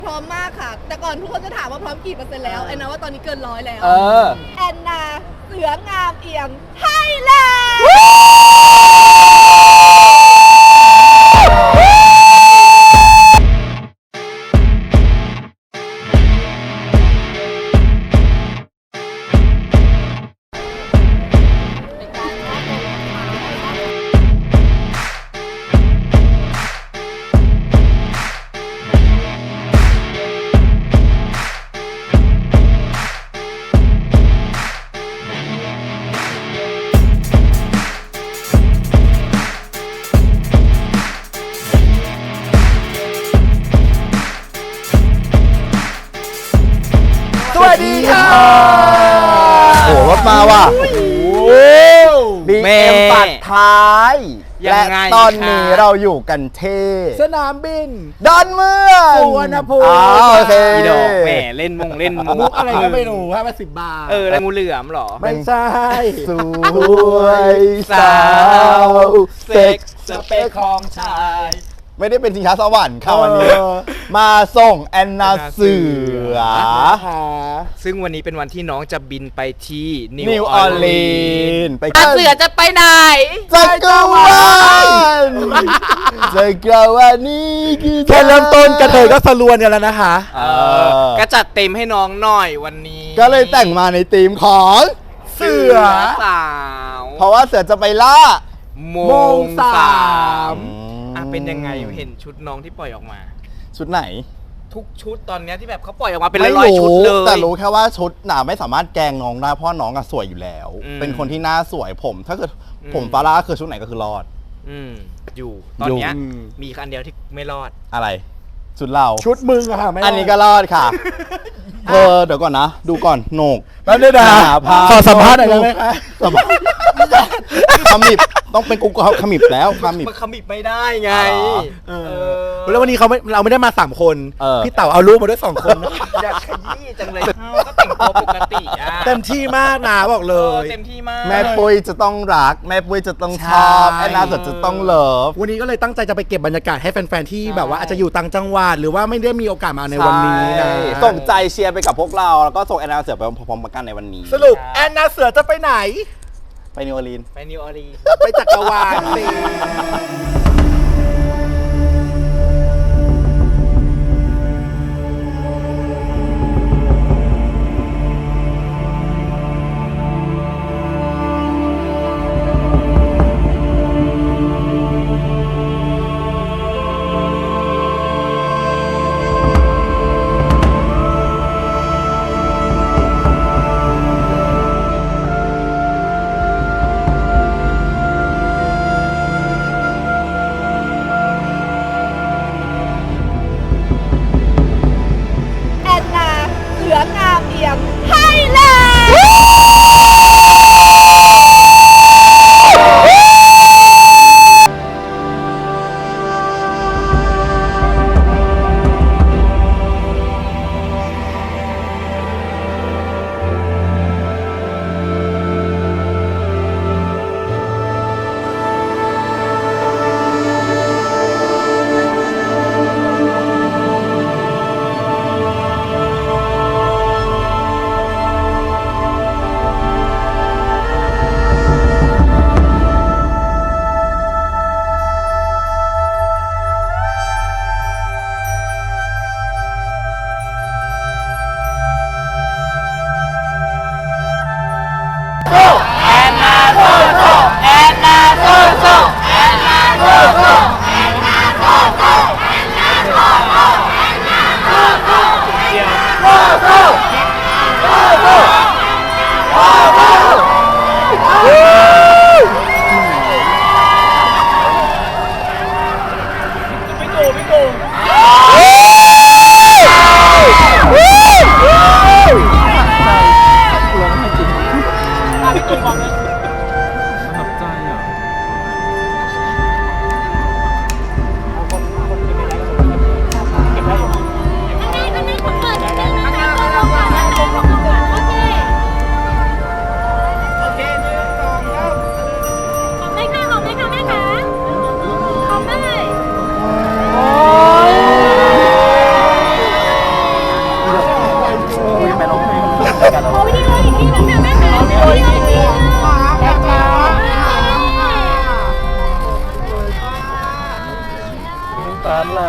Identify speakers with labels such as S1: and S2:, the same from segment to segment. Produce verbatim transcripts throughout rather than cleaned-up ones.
S1: พร้อมมากค่ะ แต่ก่อนทุกคนจะถามว่าพร้อมกี่เปอร์เซ็นต์แล้วแอนนาว่าตอนนี้เกินร้อยแล้ว
S2: เออ
S1: แอนนาเสืองามเอี่ยมไทยแลนด์
S2: สวัสดีค่ะโอ้รถมาว่ะบี
S3: แม่
S2: เอ็มปัดท้าย
S3: ยั
S2: และ
S3: งไง
S2: ตอนนี้
S3: คะ
S2: เราอยู่กันที่
S4: สนามบิน
S2: ดอนเมือง
S4: สุวรรณภูมิ
S2: อ้าวโอเค
S3: อีดอกแหม่เล่นมงเล่น
S4: มุกอะไรก็ไม่รู้ห้าสิบบาท
S3: เอออะไรงูเหลือมเหรอ
S4: ไม่ใช่
S2: สวยสาวเซ็ก
S3: สเปคของชาย
S2: ไม่ได้เป็นชิงช้าสวรรค์ค่ะ
S4: เออ
S2: วันนี้ มาส่งแอนนาเสือ
S4: นะคะ
S3: ซึ่งวันนี้เป็นวันที่น้องจะบินไปที่นิ
S2: นิวออร์ลีนส์ไป
S3: อ่ะเสือจะไปไหน
S2: จักรวาลจักรวาลนี้คือ
S4: แค่เริ่มต้นกระเทยก็สลวนกันแล้วนะคะ
S3: เออก็จัดเต็มให้น้องหน่อยวันนี้
S2: ก็เลยแต่งมาในธีมของเสือ
S3: สาว
S2: เพราะว่าเสือจะไปล่า
S3: โม
S4: โม
S3: ง
S4: งสาม
S3: สามอ่ะเป็นยังไงเห็นชุดน้องที่ปล่อยออกมา
S2: ชุดไหน
S3: ทุกชุดตอนเนี้ยที่แบบเขาปล่อยออกมาเป็น
S2: ไม่
S3: ร้อยๆชุด
S2: รู้
S3: เลย
S2: แต่รู้แค่ว่าชุดหนาไม่สามารถแกล้งน้องได้เพราะน้องอะสวยอยู่แล้ว
S3: อืม
S2: เป็นคนที่หน้าสวยผม ถ้าเกิด
S3: อืม
S2: ผมฟาร่าคือชุดไหนก็คือรอด
S3: อืมอยู่ตอนเนี้ย
S4: อยู่
S3: มีคันเดียวที่ไม่รอด
S2: อะไร ชุดเรา
S4: ชุดมึงอะค่ะไม่
S2: อันนี้ก็รอดค่ะเออเดี๋ยวก่อนนะ ดูก่อนโหนก
S4: แป๊บนึงนะ
S2: หาภาพ
S4: ขอสัมภาษณ์หน่อยได้ไหมคะ
S2: สัมภาษณ์ขมิบต้องเป็นกูก็ขมิบแล้วขมิบ
S3: มันขมิบไม่ได้ไง
S4: เออแล้ววันนี้เขาไม่เราไม่ได้มาสามคน
S2: เออ
S4: พี่เต๋าเอาลูกมาด้วยสองคนนะ
S3: อยากขยี้จังเลยเอ้าก็แต่งตัวปกติอ่ะ
S4: เต็มที่มากนะบอกเล
S3: เออย เต็มที่มาก
S2: แม่ปุ้ยจะต้องรัก แม่ปุ้ยจะต้องชอบ
S4: ใช่
S2: แอนนาเกิดจะต้องเลิฟ
S4: วันนี้ก็เลยตั้งใจจะไปเก็บบรรยากาศให้แฟนๆที่แบบว่าอาจจะอยู่ต่างจังหวัดหรือว่าไม่ได้มีโอกาสมาในวันนี้นะ
S2: ใช่ส่งใจเชียร์ไปกับพวกเรา แล้วก็ส่งแอนนาเสือไปพร้อมๆกันในวันนี้
S4: สรุปแอนนาเสือจะไปไหน
S2: ไปนิวออร์ลีนส์
S3: ไปนิวออร์ลีนส์
S4: ไปจักรวาลสิ
S1: แอนนาเสืองามเอี่ยมไทยแลนด์ขอวิดีโออีกทีนึงนะแม่คะวิดีโออีกทีนึงแม่จ๋า
S3: ตาไหล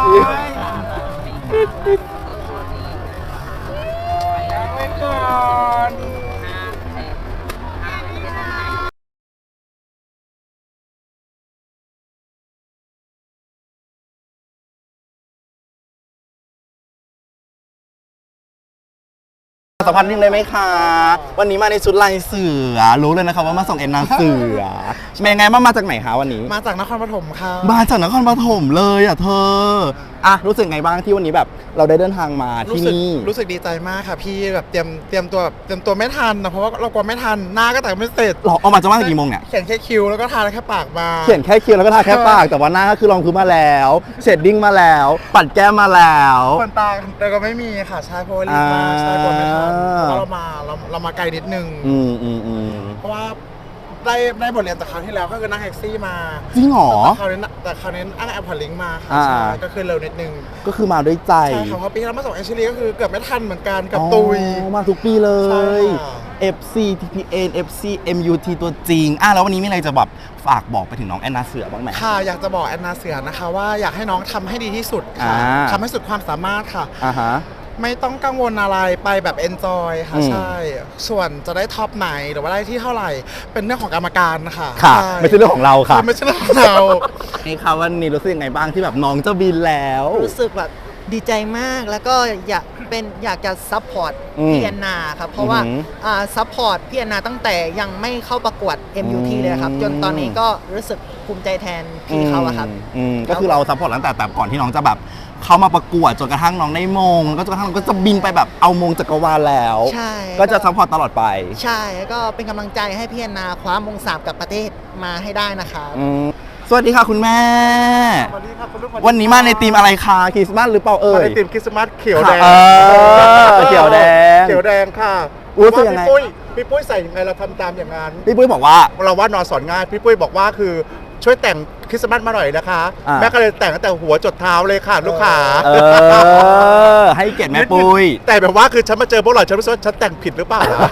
S2: สัมพันธ์นิดได้ไหมคะ วันนี้มาในชุดลายเสือ รู้เลยนะคะว่ามาส่งเอ็นนาเสือเป็นไงบ้างมาจากไหนคะวันนี้
S4: มาจากนครปฐมค่ะ
S2: มาจากนครปฐมเลยอ่ะเธอ อ่ะรู้สึกไงบ้างที่วันนี้แบบเราได้เดินทางมาที่
S4: รู้สึก
S2: นี่
S4: รู้สึกดีใจมากค่ะพี่แบบเตรียมเตรียมตัวแบบเตรียมตัวไม่ทันนะเพราะว่าเรากลัวไม่ทันหน้าก็แต่งไม่เสร็จ
S2: เราเอามาจะว่างกี่โมงเนี่ย
S4: เขียนแค่คิวแล้วก็ทาแค่ปากมา
S2: เขียนแค่คิ้วแล้วก็ทาแค่ปาก แต่ว่าหน้าก็คือรองพื้นมาแล้วเชดดิ้งมาแล้ว ปัดแก้มมาแล้ว
S4: คนตาแต่ก็ไม่มีค่ะใช่เพราะว่ารีบมาใช่กลัวไม่ทัน
S2: อ่า
S4: เพราะเรามาเราเรามาไกลนิดนึง
S2: อืมอืมอืม
S4: เพราะว่าได้ได้บทเรียนจากคราวที่แล้วก็คือนั่งแท็กซี่มา
S2: จริงเหรอ
S4: แต่คราวนี้น่ะแต่คราวนี้อ้างแอปพอลิงก์มาค่ะ
S2: อ่า
S4: ใช่ก็คือเร็วนิดนึง
S2: ก็คือมาด้วยใจ
S4: ใช่ค่ะเพราะปีที่แล้วมาส่งแอนชิลีก็คือเกือบไม่ทันเหมือนกันกับตุย
S2: อ๋อมาทุกปีเล
S4: ใช่
S2: ย
S4: ค่ะ
S2: เอฟ ซี ที พี เอ็น เอฟ ซี เอ็ม ยู ที ตัวจริง อ่ะแล้ววันนี้มีอะไรจะแบบฝากบอกไปถึงน้องแอนนาเสือบ้างไหม
S4: ค่ะอยากจะบอกแอนนาเสือนะคะว่าอยากให้น้องทำให้ดีที่สุดค่ะ
S2: อ่า
S4: ทำให้สุดความสามารถค่ะ
S2: อ่าฮะ
S4: ไม่ต้องกังวลอะไรไปแบบเอนจอยค่ะ
S2: อืม
S4: ใช่ ส่วนจะได้ท็อปไหนหรือว่าได้ที่เท่าไหร่ เป็นเรื่องของกรรมการค่ะ
S2: ค่ะ
S4: ใช่
S2: ไม่ใช่เรื่องของเราค่ะ
S4: ไม่ใช่เรื่องของเรา
S2: นี่ค่ะวันนี้รู้สึกยังไงบ้างที่แบบน้องจะบินแล้ว
S5: รู้สึกแบบดีใจมากแล้วก็อยากเป็นอยากจะซัพพอร์ต
S2: อืม
S5: พี่แอนนาครับเพราะว่า
S2: อือหือ
S5: อ่าซัพพอร์ตพี่แอนนาตั้งแต่ยังไม่เข้าประกวด เอ็ม ยู ที
S2: อืม
S5: เลยครับ จนตอนนี้ก็รู้สึกภูมิใจแทนพี่เขาอะครับ
S2: อืมอืมก็คือเราซัพพอร์ตตั้งแต่แบบก่อนที่น้องจะแบบเข้ามาประกวดจนกระทั่งน้องได้มงแล้วก็จนกระทั่งน้องก็จะบินไปแบบเอามงจักรวาลแล้ว
S5: ใช่
S2: ก็จะซัพพอร์ตตลอดไป
S5: ใช่แล้วก็เป็นกำลังใจให้พี่แอนนาคว้ามงสามกับประเทศมาให้ได้นะครับ
S2: อืมสวัสดีค่ะคุณแม่
S4: สวัสดีครับคุณลูก
S2: วันนี้มาในธีมอะไรคะคริสต์มาสหรือเปล่าเอ่
S4: มาย ในทีมคริสต์มาสเขียวแดง
S2: เออเขียวแดง
S4: เขียวแดงค่ะ
S2: รู้สึกยังไง
S4: พี่ปุ้ยพี่ปุ้ยใส่ยังไงเราทำตามอย่างนั้น
S2: พี่ปุ้ยบอกว่า
S4: เราว่านอนสอนง่ายพี่ปุ้ยบอกว่าคือช่วยแต่งคริสต์มาสมาหน่อยนะคะ
S2: อ่า
S4: แม่ก็เลยแต่งตั้งแต่หัวจดเท้าเลยค่ะลูกค้า
S2: เออ ให้เกียรติแม่ปุ้ย
S4: แต่แบบว่าคือฉันมาเจอพวกเราฉันรู้สึกว่าฉันแต่งผิดหรือเปล่าวะ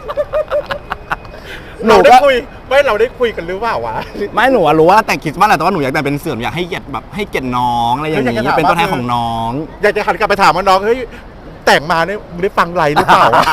S2: หนู
S4: เราได้
S2: ก็
S4: คุยไม่เราได้คุยกันหรือเปล่าวะ
S2: ไม่หนูอะรู้ว่าแต่งคริสต์มาสแหละแต่ว่าหนูอยากแต่งเป็นเสือหนูอยากให้เกียรติแบบให้เกียรติน้องอะไรอย่าง
S4: อยากจะ
S2: นี้
S4: ถาม
S2: เป็นตัวแทน
S4: ว่า
S2: ของน้อง
S4: อยากจะหันกลับไปถามว่าน้องเฮ้ยแต่งมาเนี่ยมึงได้ฟังไรหรือเปล่าวะ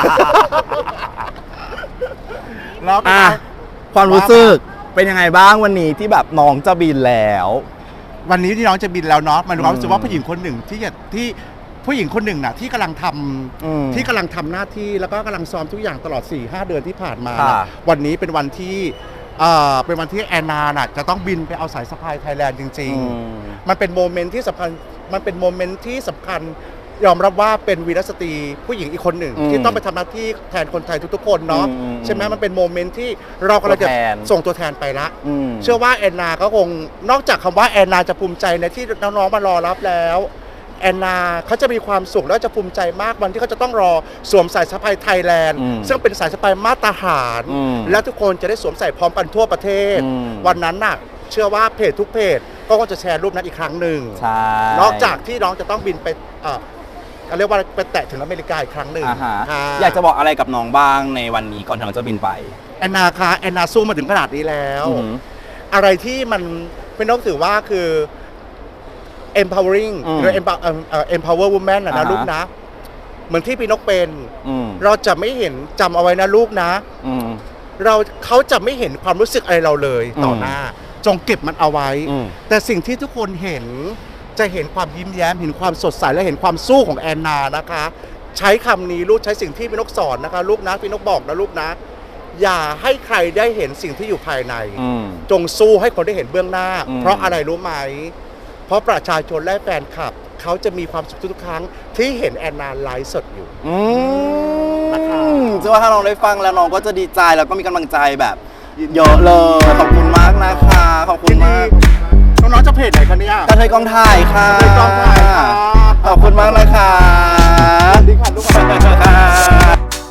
S4: แล้ว
S2: อ่ะความรู้สึกเป็นยังไงบ้างวันนี้ที่แบบน้องจะบินแล้ว
S4: วันนี้ที่น้องจะบินแล้วเนาะมันความรู้สึกว่า
S2: อืม
S4: ผู้หญิงคนหนึ่งที่จะที่ผู้หญิงคนหนึ่งน่ะที่กำลังทำ
S2: อืม
S4: ที่กำลังทำหน้าที่แล้วก็กำลังซ้อมทุกอย่างตลอด สี่ห้า เดือนที่ผ่านมา
S2: ค่ะ
S4: น่ะวันนี้เป็นวันที่เอ่อเป็นวันที่แอนนาน่ะจะต้องบินไปเอาสายสะพายไทยแลนด์จริง
S2: อืม
S4: ๆ มันเป็นโมเมนต์ที่สำคัญมันเป็นโมเมนต์ที่สำคัญยอมรับว่าเป็นวีรสตรีผู้หญิงอีกคนหนึ่ง
S2: อืม
S4: ที่ต้องไปทำหน้าที่แทนคนไทยทุกๆคนเนาะ
S2: อืมอืม
S4: ใช่ไหมมันเป็นโมเมนต์ที่เรากำลังจะ
S2: ตัวแทน
S4: ส่งตัวแทนไปละ
S2: อืม
S4: เชื่อว่าแอนนาก็คงนอกจากคำว่าแอนนาจะภูมิใจในที่น้องๆมารอรับแล้วแอนนาเขาจะมีความสุขและจะภูมิใจมากวันที่เขาจะต้องรอสวมสายสะพายไทยแลนด์
S2: อืม
S4: ซึ่งเป็นสายสะพายมาตรฐาน
S2: อืม
S4: และทุกคนจะได้สวมใส่พร้อมกันทั่วประเทศ
S2: อืม
S4: วันนั้นน่ะเชื่อว่าเพจทุกเพจก็คงจะแชร์รูปนั้นอีกครั้งหนึ่ง
S2: ใช่
S4: นอกจากที่น้องจะต้องบินไปเอ่อเขาเรียกว่าไปแตะถึงอเมริกาอีกครั้งหนึ่ง
S2: อ่าฮะ
S4: ค่ะ
S2: อยากจะบอกอะไรกับน้องบ้างในวันนี้ก่อนที่น้องจะบินไป
S4: แอนนาคะแอนนาสู้มาถึงขนาดนี้แล้ว
S2: อือหือ
S4: อะไรที่มันเป็นต้องถือว่าคือ empowering
S2: อืม
S4: หรือ empower เอ่อเอ่อ empower woman นะ
S2: อ่า
S4: นะ
S2: ฮะ
S4: ลูกนะ เหมือนที่พี่นกเป็น
S2: อืม
S4: เราจะไม่เห็นจำเอาไว้นะลูกนะ
S2: อืม
S4: เราเขาจะไม่เห็นความรู้สึกอะไรเราเลยต่ออ
S2: ม
S4: หน้า จงเก็บมันเอาไว้
S2: อืม
S4: แต่สิ่งที่ทุกคนเห็นจะเห็นความยิ้มแย้ม เห็นความสดใสและเห็นความสู้ของแอนนานะคะ ใช้คำนี้ลูกใช้สิ่งที่พี่นกสอนนะคะ ลูกนะพี่นกบอกนะลูกนะ อย่าให้ใครได้เห็นสิ่งที่อยู่ภายใน
S2: อืม
S4: จงสู้ให้คนได้เห็นเบื้องหน้า
S2: อืม
S4: เพราะอะไรรู้ไหม เพราะประชาชนและแฟนคลับ เขาจะมีความสุขทุกๆครั้งที่เห็นแอนนาไลฟ์สดอยู่
S2: อืม
S4: นะคะ
S2: เชื่อว่าถ้าน้องได้ฟังแล้วน้องก็จะดีใจแล้วก็มีกำลังใจแบบเยอะเลย ขอบคุณมากนะคะ ขอบคุณมาก
S4: น้องๆจะเพจไหนคะเนี่ย
S2: กระเทยกองถ่ายค่ะ
S4: กระเทยกองถ่ายค่ะ
S2: ขอบคุณมากเลยค่ะ
S4: สวัสดีค่ะลูกค้า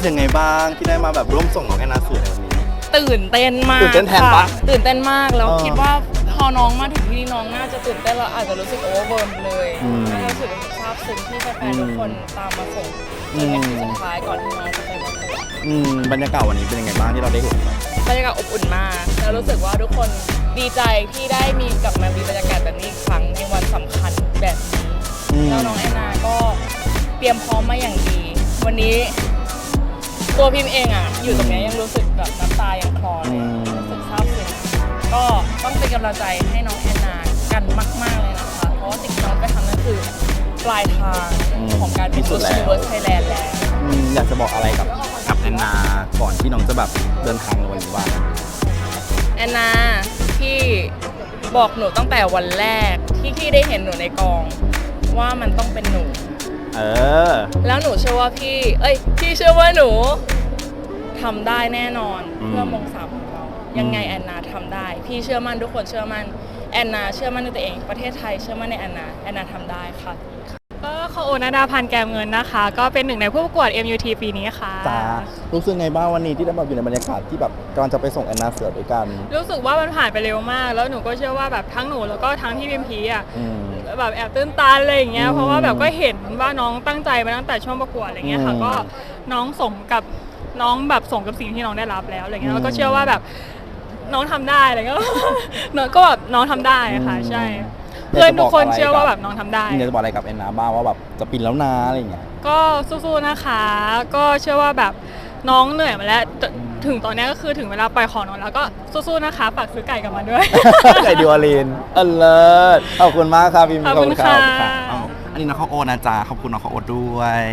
S2: ยังไงบ้างที่ได้มาแบบร่วมส่งน้องแอนนาเสือในวันนี้
S1: ตื่นเต้นมาก
S2: ตื่นเต้นแทนปะ
S1: ค่ะตื่นเต้นมากแล้ว
S2: เออ
S1: คิดว่าพอน้องมาถึงที่นี่น้องน่าจะตื่นเต้นแล้วอาจจะรู้สึกโอเวอร์เบิร์นเลย
S2: อืม
S1: น่าจะรู้สึกซาบซึ้งที่แฟนๆทุกคนตามมาส่งจนเป็นที่สุดท้ายก่อนที่น้องจะไปประกวด
S2: อืมบรรยากาศวันนี้เป็นยังไงบ้างที่เราได้เห็นแบบ
S1: บรรยากาศอบอุ่นมากแล้วรู้สึกว่าทุกคนดีใจที่ได้มีกลับมามีบรรยากาศแบบนี้อีกครั้งในวันสำคัญแบบนี้
S2: อืม
S1: แล้วน้องแอนนาก็เตรียมพร้อมมาอย่างดี วันนี้ตัวพิมพ์เองอ่ะอยู่ตรงเนี้ยยังรู้สึกแบบน้ำตายังคลอเลยรู้สึกซาบซึ้งก็ต้องเป็นกำลังใจให้น้องแอนนากันมาก ๆเลยนะคะ เพราะว่าสิ่งที่น้องไปทำนั่นคือปลายทางของการเป็น Miss Universe Thailand แล้ว
S2: อืมอยากจะบอกอะไรกับกับแอนนาก่อนที่น้องจะแบบเดินทางในวันนี้ว่า
S1: แอนนาพี่บอกหนูตั้งแต่วันแรกที่พี่ได้เห็นหนูในกองว่ามันต้องเป็นหนู
S2: เออ
S1: แล้วหนูเชื่อว่าพี่ เอ้ย พี่เชื่อว่าหนูทำได้แน่นอน
S2: อืม
S1: เพื่อมงสามของเรา ยังไงแอนนาทำได้ พี่เชื่อมั่นทุกคนเชื่อมั่นแอนนาเชื่อมั่นในตัวเอง ประเทศไทยเชื่อมั่นในแอนนาแอนนาทำได้ค่ะ
S6: ก็ขอโอนาดาพันธ์แกมเงินนะคะ ก็เป็นหนึ่งในผู้ประกวด เอ็ม ยู ที ปีนี้ค่ะ
S2: จ้ารู้สึกไงบ้างวันนี้ที่ได้มาอยู่ในบรรยากาศที่แบบกำลังจะไปส่งแอนนาเสือด้วยกัน
S6: รู้สึกว่ามันผ่านไปเร็วมาก แล้วหนูก็เชื่อว่าแบบทั้งหนูแล้วก็ทั้งที่พิมพีอ่ะ
S2: อืม
S6: แบบแอบตื้นตันอะไรอย่างเงี้ย
S2: อืม
S6: เพราะว่าแบบก็เห็นว่าน้องตั้งใจมาตั้งแต่ช่วงประกวดอะไรเงี้ยค่ะ
S2: อืม
S6: ก็น้องสมกับน้องแบบสมกับสิ่งที่น้องได้รับแล้วอะไรเงี้
S2: อื
S6: ย
S2: ม
S6: แล้วก็เชื่อว่าแบบน้องทำได้อะไรเงี้ย น้องก็แบบน้องทำได้ค่ะใช่ เพื่อนทุกคนเชื่อว่าแบบน้องทำได้
S2: อยากจะบอกอะไรกับแอนนาบ้างว่าแบบจะปินแล้วนะอะไรอย่างเงี้ย
S6: ก็สู้ๆนะคะ ก็เชื่อว่าแบบน้องเหนื่อยมาแล้วจถึงตอนนี้ก็คือถึงเวลาปล่อยของน้องแล้วก็สู้ๆนะคะฝากซื้อไก่กลับมาด้วย
S2: ไก่ดิวอลินเออเลิศขอบคุณมากครับพี่
S6: ขอบคุณค่ะ
S2: เอาอันนี้น้องข้าวโอ๊ตนะจ๊ะขอบคุณน้องข้าวโอ๊ตด้วย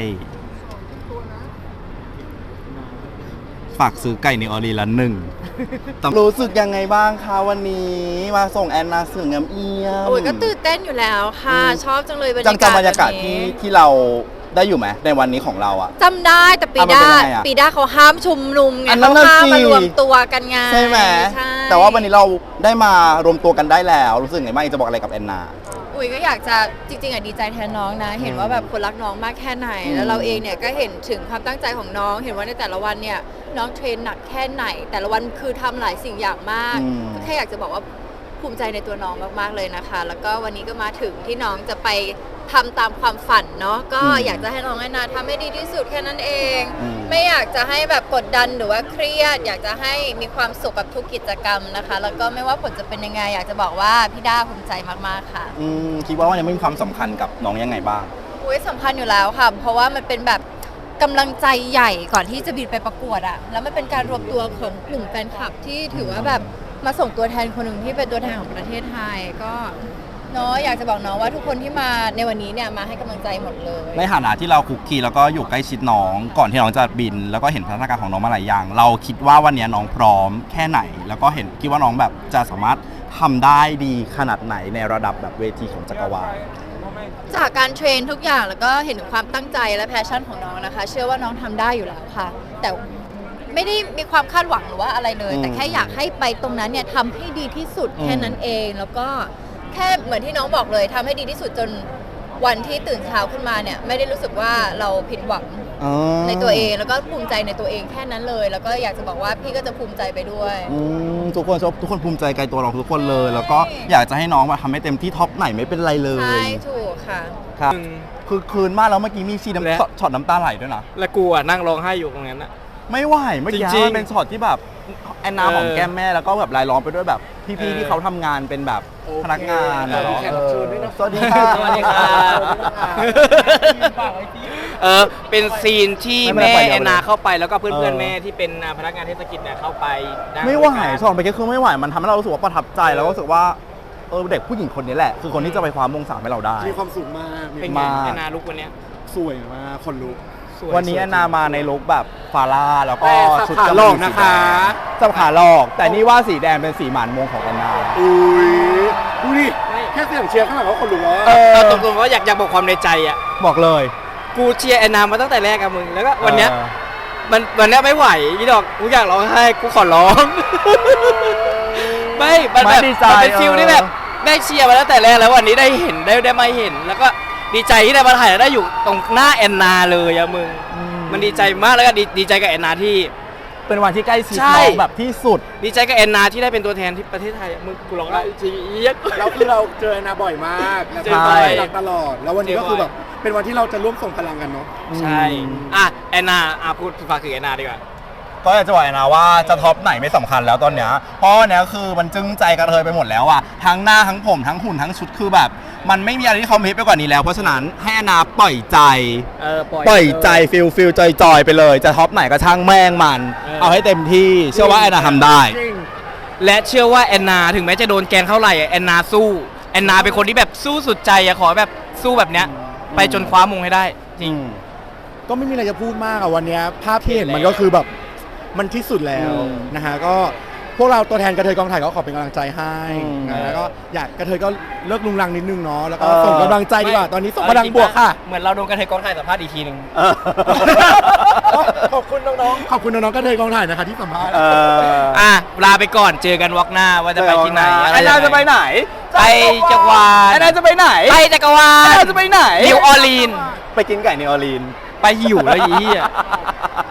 S2: ฝากซื้อไก่ในออรีละหนึ่งรู้สึกยังไงบ้างคะวันนี้มาส่งแอนนาเสืองามเอี่ยม
S7: โอ้ยก็ตื่นเต้นอยู่แล้วค่ะ
S2: อืม
S7: ชอบจังเลยบรร
S2: จั
S7: ยาง กาศ
S2: จำบรรยากาศ
S7: แบบ
S2: ที่
S7: นี้
S2: ที่เราได้อยู่ไหมในวันนี้ของเราอะ
S7: จำได้แต่ปี
S2: อ่ะมัน
S7: ด้า
S2: เป็นยังไงอะ
S7: ปีด้าเขาห้ามชุมนุมไง
S2: อันนั้
S7: เขา
S2: นน่ะ
S7: ห้าม
S2: สิ
S7: มารวมตัวกันไง
S2: ใช่ไหม
S7: ใช่
S2: แต่ว่าวันนี้เราได้มารวมตัวกันได้แล้ว รู้สึกไงบ้างจะบอกอะไรกับแอนนา
S7: อุ้ยก็อยากจะจริงๆอ่ะดีใจแทนน้องนะ เห็นว่าแบบคนรักน้องมากแค่ไหน
S2: อืม
S7: แล้วเราเองเนี่ยก็เห็นถึงความตั้งใจของน้อง เห็นว่าในแต่ละวันเนี่ยน้องเทรนหนักแค่ไหน แต่ละวันคือทำหลายสิ่งอย่างมาก
S2: อืม
S7: ก็แค่อยากจะบอกว่าภูมิใจในตัวน้องมากๆเลยนะคะ แล้วก็วันนี้ก็มาถึงที่น้องจะไปทำตามความฝันเนาะก็
S2: อืม
S7: อยากจะให้น้องแอนนาทำให้ดีที่สุดแค่นั้นเอง
S2: อืม
S7: ไม่อยากจะให้แบบกดดันหรือว่าเครียด อยากจะให้มีความสุขกับทุกกิจกรรมนะคะ แล้วก็ไม่ว่าผลจะเป็นยังไง อยากจะบอกว่าพี่ด้าภูมิใจมากๆค่ะ
S2: อืมคิดว่าวันนี้มีความสำคัญกับน้องยังไงบ้าง
S7: อุ้ยสำคัญอยู่แล้วค่ะ เพราะว่ามันเป็นแบบกำลังใจใหญ่ก่อนที่จะบินไปประกวดอะแล้วมันเป็นการรวมตัวของกลุ่มแฟนคลับที่ถือว่าแบบมาส่งตัวแทนคนหนึ่งที่เป็นตัวแทนของประเทศไทยก็เนาะอยากจะบอกน้องว่าทุกคนที่มาในวันนี้เนี่ยมาให้กำลังใจหมดเลย
S2: ในฐานะที่เราคุกคีแล้วก็อยู่ใกล้ชิดน้องก่อนที่น้องจะบิน แล้วก็เห็นพัฒนาการของน้องมาหลายอย่าง เราคิดว่าวันนี้น้องพร้อมแค่ไหน แล้วก็เห็นคิดว่าน้องแบบจะสามารถทำได้ดีขนาดไหนในระดับแบบเวทีของจักรวาล
S7: จากการเทรนทุกอย่างแล้วก็เห็นถึงความตั้งใจและแพชชั่นของน้องนะคะ เชื่อว่าน้องทำได้อยู่แล้วค่ะ แต่ไม่ได้มีความคาดหวังหรือว่าอะไรเลย
S2: อืม
S7: แต่แค่อยากให้ไปตรงนั้นเนี่ยทำให้ดีที่สุด
S2: อืม
S7: แค่นั้นเอง แล้วก็แค่เหมือนที่น้องบอกเลยทำให้ดีที่สุดจนวันที่ตื่นเช้าขึ้นมาเนี่ยไม่ได้รู้สึกว่าเราผิดหวัง
S2: อ๋อ
S7: ในตัวเองแล้วก็ภูมิใจในตัวเองแค่นั้นเลย แล้วก็อยากจะบอกว่าพี่ก็จะภูมิใจไปด้วย
S2: อืมทุกคนชอบทุกคนภูมิใจในตัวเราทุกคนเลย แล้วก็อยากจะให้น้องมาทำให้เต็มที่ท็อปไหนไม่เป็นไรเล
S7: ใช่
S2: ย
S7: ถูกค่ะ
S2: ครับคือคืนมากแล้วเมื่อกี้มีซีน้
S3: และ
S2: ำช็อตน้ำตาไหลด้วยนะ
S3: แล้วกูอ่ะนั่งร้องไห้อยู่ตรงนั้นอ่ะ
S2: ไม่ไหวเมื่อกี้
S3: จริงๆ
S2: มันเป็นช็อตที่แบบแอนนา
S3: เออ
S2: หอมแก้มแม่แล้วก็แบบรายล้อมไปด้วยแบบ
S3: เอ
S2: พี่
S3: อ
S2: ๆที่เขาทำงานเป็นแบบพนักงาน
S3: เออ
S2: อะ
S3: มีแขกรับเชิญด้วยนะ
S2: สวัสดีค่ะ
S3: สวัสดีค่ะ เออเป็นซีนที่
S2: ไม่เป็นไร
S3: แม่
S2: ปล่อยเดี๋ยว
S3: แอนนา
S2: เลย
S3: เข้าไปแล้วก็เพื่อน
S2: เอ
S3: เพื่อน
S2: อ
S3: แม่ที่เป็นพนักงานเทศกิจเนี่ยเข้าไปนั่ง
S2: ไม่ไหว
S3: ด้วยกัน
S2: ช็อตไปแค่คือไม่ไหวมันทำให้เรารู้สึกว่าประทับใจแล้วก็รู้สึกว่าเออเด็กผู้หญิงคนนี้แหละ คือคนที่จะไปคว้ามงสามให้เราได้
S8: มีความสุขมาก
S3: เป็น
S8: มี
S3: ไง
S2: มาก
S3: แอนนาลุกวันเนี้ย
S8: สวยมาก คนลุก
S3: สวย
S2: วันนี้แอนนามาในลุคแบบฟาร่าแล้วก็
S8: แต่สับ
S2: ชุด
S8: ขา
S2: จำ
S8: หลอก
S2: สี
S8: นะคะ
S2: แดงสับขาหลอก แต่นี่ว่าสีแดงเป็นสีหมานมงของแอนนา
S8: อุ้ยดูดิ แค่เสียงเชียร์ข้างหลังก็คนลุกแล้วอะ
S2: เออ
S3: เอาตรงๆว่าอยากอยากบอกความในใจอ่ะ
S2: บอกเลย
S3: กูเชียร์แอนนามาตั้งแต่แรกอะมึงแล้วก็วันเนี้ย
S2: ออ
S3: มันวันเนี้ยไม่ไหวยี่ดอกกูอยากร้องไห้กูขอร้อง ไม่มันแบบ
S2: ไม่ดีใจ
S3: มันเป็นฟิล
S2: เออ
S3: ที่แบบได้เชียร์มาตั้งแต่แรกแล้ววันนี้ได้เห็นได้ได้มาเห็น แล้วก็ดีใจที่ได้มาถ่ายแล้วได้อยู่ตรงหน้าแอนนาเลยอะมึง
S2: อืม
S3: มันดีใจมากแล้วก็ดีดีใจกับแอนนาที่
S2: เป็นวันที่ใกล้ชิด
S3: ใช่
S2: น้องแบบที่สุด
S3: ดีใจกับแอนนาที่ได้เป็นตัวแทนที่ประเทศไทยอะมึงกูร้องได้จริงเอี๊ยด
S8: เราคือเราเจอแอนนาบ่อยมากนะ
S3: เจอ
S8: ค
S3: บ่
S8: รั
S3: อย
S8: บตลอด แล้ววันนี้ก็คือแบบเป็นวันที่เราจะร่วมส่งพลังกันเนาะ
S3: ใช่อ่ะแอนนาอ่ะพูดฝากถึงแอนนาดีกว่า
S2: ก็อยากจะบอกนะว่าจะท็อปไหนไม่สำคัญแล้วตอนเนี้ยเพราะเนี้ยคือมันจึ้งใจกระเทยไปหมดแล้วอะทั้งหน้าทั้งผมทั้งหุ่นทั้งชุดคือแบบ มันไม่มีอะไรที่คอมเพลตไปกว่านี้แล้ว เพราะฉะนั้นให้อนาปล่อยใจ
S3: เออปล่อย
S2: ปล่อยใจฟิลฟิลจอยจอยไปเลย จะท็อปไหนก็ช่างแม่งมัน
S3: เออ
S2: เอาให้เต็มที่เชื่อว่าแอนนาทำได้
S3: และเชื่อว่าแอนนาถึงแม้จะโดนแกล้งเท่าไหร่อะแอนนาสู้แอนนาเป็นคนที่แบบสู้สุดใจอะขอแบบสู้แบบเนี้ยไปจนคว้ามงให้ได้จริง
S8: ก็ไม่มีอะไรจะพูดมากอะวันเนี้ยภาพที่เห็นมันก็คือแบบมันที่สุดแล้ว
S2: อืม
S8: นะฮะก็พวกเราตัวแทนกระเทยกองถ่ายก็ขอเป็นกำลังใจให้
S2: อืม
S8: นะแล้วก็อยากกระเทยก็เลิกลุงลังนิดนึงเนาะแล้วก็
S2: เออ
S8: ส่งกำลังใจดีกว่าตอนนี้ส่งพลังบวกค่ะ
S3: เหมือนเราโดนกระเทยกองถ่ายสัมภาษณ์อีกทีหนึ่ง
S2: เออ
S8: ขอบคุณน้องๆขอบคุณน้องๆกระเทยกองถ่ายนะคะที่สัมภาษณ์
S2: เออ
S3: อ่ะลาไปก่อนเจอกันวอกหน้าว่าจะไปที่ไหน
S2: แอนนาจะไปไหน
S3: ไปจักรวาล
S2: แอนนาจะไปไหน
S3: ไปจักรวา
S2: แอน
S3: ล
S2: นาจะไปไหน
S3: นิวออร์ลีน
S2: ไปกินไก่นิวออร์ลีน
S3: ไปหิวแล้วอีอ่ะ